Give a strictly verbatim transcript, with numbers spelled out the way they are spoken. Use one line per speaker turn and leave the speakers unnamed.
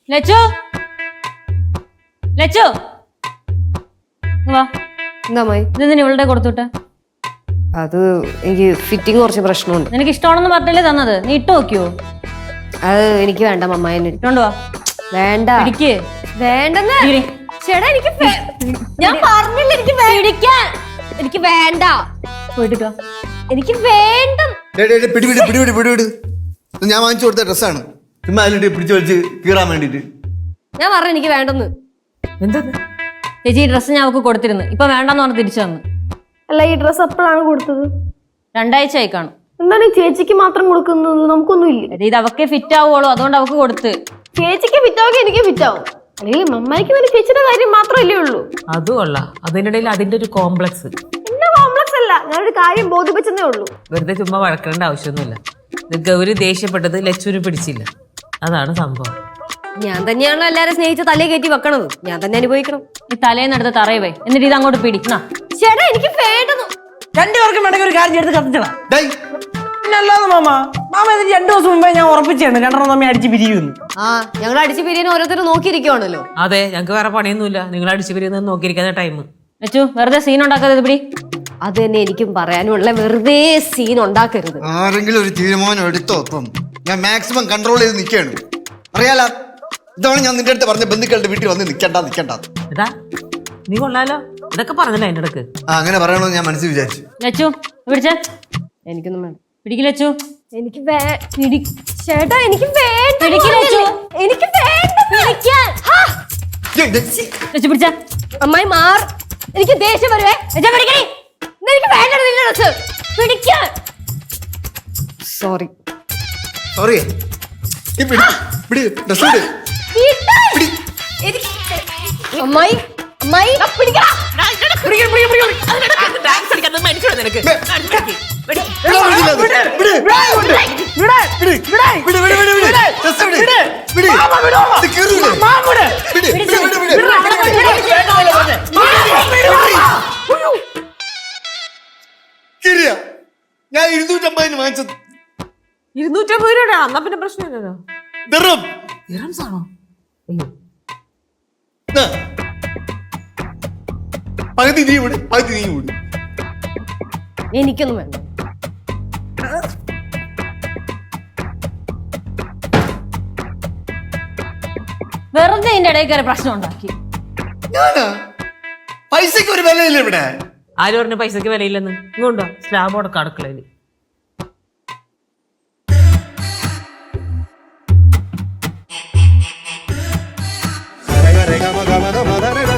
ലച്ചു ലച്ചു വാ.
എന്താ മായി?
ഇതെന്തിനാ ഇവളുടെ കൊടുത്തുവിട്ടെ?
അത് എനിക്ക് ഫിറ്റിംഗ് കുറച്ച് പ്രശ്നമുണ്ട്.
നിനക്ക് ഇഷ്ടമാണെന്ന് പറഞ്ഞല്ലേ തന്നത്, നീ ഇട്ട് നോക്കിയോ?
അത് എനിക്ക് വേണ്ട മമ്മായി.
ഇട്ടോണ്ട് വാ.
വേണ്ട
പിടിക്ക്.
വേണ്ടെന്ന് ചേട്ടാ, എനിക്ക് ഞാൻ പറഞ്ഞില്ല എനിക്ക് പിടിക്കാൻ. എനിക്ക് വേണ്ട.
പോയിട്ട് വാ.
എനിക്ക് വേണ്ട.
പിടിപിടി പിടിപിടി പിടിപിടി ഞാൻ വാങ്ങിച്ചു കൊടുത്ത ഡ്രസ്സാണ്. ചുമ്മാ അതിലിട്ട് പിടിച്ചു വലിച്ച് കീറാൻ വേണ്ടിട്ട്.
ഞാൻ പറഞ്ഞു എനിക്ക് വേണ്ടെന്ന്.
എന്താ
ചേച്ചി ഈ ഡ്രസ്സ് ഞാൻ അവൾക്ക് കൊടുത്തിരുന്നു, ഇപ്പൊ വേണ്ടെന്ന് പറഞ്ഞ് തിരിച്ചു തന്നു.
അല്ല, ഈ ഡ്രസ്സ് എപ്പോഴാണ് കൊടുത്തത്?
രണ്ടാഴ്ച ആയി കാണും.
എന്താണ് ഈ ചേച്ചിക്ക് മാത്രം കൊടുക്കുന്നത്? നമുക്കൊന്നും ഇല്ല.
ഇത് അവക്കെ ഫിറ്റ് ആവുള്ളൂ, അതുകൊണ്ട് അവക്ക് കൊടുത്ത്.
ചേച്ചിക്ക് ഫിറ്റാവുക എനിക്ക് ഫിറ്റാവും, അല്ലെങ്കിൽ മമ്മായിക്ക് വേണ്ടി ചേച്ചിയുടെ കാര്യം മാത്രമല്ലേ ഉള്ളൂ.
അതും കൊള്ളാം. അതിനിടയിൽ അതിന്റെ ഒരു കോംപ്ലക്സ്.
എന്റെ കോംപ്ലക്സ് അല്ല, ഞാനൊരു കാര്യം ബോധിപ്പിച്ചതേ ഉള്ളൂ.
വെറുതെ ചുമ്മാ വഴക്കേണ്ട ആവശ്യമൊന്നുമില്ല. ഇത് ഗൗരി ദേഷ്യപ്പെട്ടത് ലച്ചുവിന് പിടിച്ചില്ല, അതാണ് സംഭവം.
ഞാൻ തന്നെയാണല്ലോ എല്ലാരും സ്നേഹിച്ച തലേ കയറ്റി വെക്കണത്, ഞാൻ തന്നെ അനുഭവിക്കണം.
ഈ തലേന്നെടുത്ത് തറയുവേ, എന്നിട്ട് ഇത് അങ്ങോട്ട് പിടിക്കണ.
ചേട്ടാ എനിക്ക് വേണ്ടെന്ന്.
രണ്ടുപേർക്കും വേണമെങ്കിൽ ഒരു കാര്യം എടുത്ത് കത്തിച്ചടാ.
ഡേയ്,
അല്ലാതെ മാമ മാമ ഇത് രണ്ടു ദിവസം മുമ്പേ ഞാൻ ഉറപ്പിച്ചാണ് രണ്ടെണ്ണം തമ്മിൽ അടിച്ച് പിരിയുന്നു.
ആ ഞങ്ങൾ അടിച്ചു പിരിയാൻ ഓരോരുത്തരും നോക്കിയിരിക്കുവാണല്ലോ.
അതെ, ഞങ്ങൾക്ക് വേറെ പണിയൊന്നുമില്ല, നിങ്ങൾ അടിച്ചു പിരിയുന്നത് നോക്കിയിരിക്കുന്ന ടൈം.
ലച്ചു വെറുതെ സീൻ ഉണ്ടാക്കാതെ ഇത് പിടി.
അത് തന്നെ എനിക്കും പറയാനുള്ള, വെറുതെ സീൻ ഉണ്ടാക്കരുത്.
ആരെങ്കിലും ഒരു തീരുമാനം എടുത്തോ? ഇപ്പം ഞാൻ മാക്സിമം കൺട്രോൾ ചെയ്ത് നിൽക്കുകയാണ്. അറിയാലോ, ഇതാണ് ഞാൻ നിന്റെ അടുത്ത് പറഞ്ഞ ബന്ധുക്കളുടെ വീട്ടിൽ വന്ന് നിൽക്കണ്ട നിൽക്കണ്ട.
എടാ നീ കൊള്ളാലോ, ഇതൊക്കെ പറഞ്ഞല്ലേ അതിന്റെ ഇടക്ക്.
ആ അങ്ങനെ പറയണമെന്ന് ഞാൻ മനസ്സിൽ വിചാരിച്ചു.
ലച്ചു പിടിച്ച.
എനിക്കൊന്നും വേണ്ട.
പിടിക്ക് ലച്ചു.
എനിക്ക് ചേട്ടാ എനിക്ക് വേണ്ട.
പിടിക്ക് ലച്ചു.
എനിക്ക് വേണ്ട.
ഏയ്, ഡേയ്.
ലച്ചു പിടിച്ച.
അമ്മായി മാർ, എനിക്ക് ദേഷ്യം വരുവേ. എനിക്ക് വേണ്ട നിന്റെ ഡ്രസ് പിടിക്കാൻ. Sorry
sorry. ഈ പിടി പിടി ഡ്രസ് ഇട്.
അമ്മായി അമ്മായി പിടിക്കണം.
എടാ, വിടില്ല അത്. വിട്. വിട്. വിട്. വിട്, വിട്, വിട്, വിട്. ഡ്രസ് വിട്. വിട്. ഇത് കീറൂലേ? വിട്. വിട്, വിട്, വിട്. കീറിയ? ഞാൻ ഇരുന്നൂറ്റമ്പതിന് വാങ്ങിച്ചത്.
ഇരുന്നൂറ്റമ്പത് രൂപ. എന്നാ പിന്നെ പ്രശ്നമില്ലല്ലോ.
ദിർഹം.
ദിർഹംസ് ആണോ? അയ്യോ,
ദാ. പകുതി നീ വിട്, പകുതി നീ വിട്.
എനിക്കൊന്നും വേണ്ട.
വെറുതെ ഇതിന്റെ ഇടയിൽ കയറി പ്രശ്നം ഉണ്ടാക്കി.
ഞാനാ? പൈസക്ക് ഒരു വിലയില്ല ഇവിടെ.
ആര് പറഞ്ഞ പൈസക്ക് വിലയില്ലെന്ന്? ഇങ്ങോട്ടോ സ്ലാബോടൊക്കെ അടുക്കളയില്.
രേഖ, രേഖ, മക, മക, മക, രേഖ.